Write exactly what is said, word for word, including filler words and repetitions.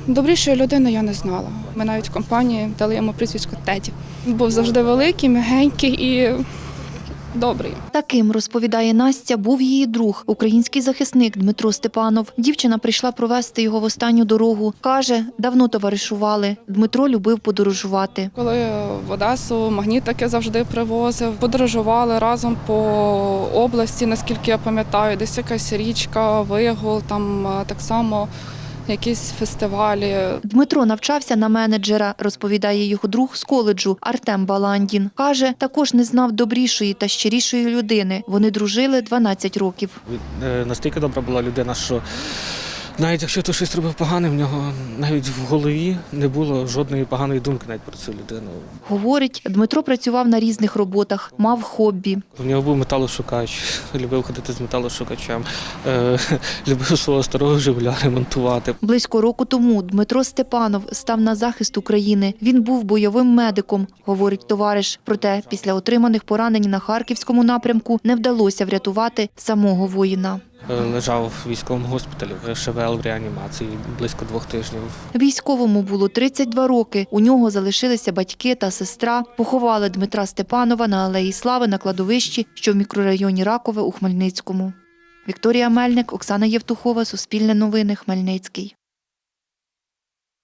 Добрішої людини я не знала. Ми навіть в компанії дали йому прізвисько Теді. Він був завжди великий, м'ягенький і добрий. Таким, розповідає Настя, був її друг, український захисник Дмитро Степанов. Дівчина прийшла провести його в останню дорогу. Каже, давно товаришували. Дмитро любив подорожувати. Коли в Одесу магнітики завжди привозив, подорожували разом по області, наскільки я пам'ятаю, десь якась річка, Вигул, там так само якісь фестивалі. Дмитро навчався на менеджера, розповідає його друг з коледжу Артем Баландін. Каже, також не знав добрішої та щирішої людини. Вони дружили дванадцять років. Настільки добра була людина, що навіть якщо хтось щось робив погане, в нього навіть в голові не було жодної поганої думки навіть про цю людину. Говорить, Дмитро працював на різних роботах, мав хобі. У нього був металошукач, любив ходити з металошукачем, е, любив свого старого «Жигуля» ремонтувати. Близько року тому Дмитро Степанов став на захист України. Він був бойовим медиком, говорить товариш. Проте після отриманих поранень на Харківському напрямку не вдалося врятувати самого воїна. Лежав в військовому госпіталі в ШВЛ в реанімації близько двох тижнів. Військовому було тридцять два роки. У нього залишилися батьки та сестра. Поховали Дмитра Степанова на Алеї Слави на кладовищі, що в мікрорайоні Ракове у Хмельницькому. Вікторія Мельник, Оксана Євтухова, Суспільне новини, Хмельницький.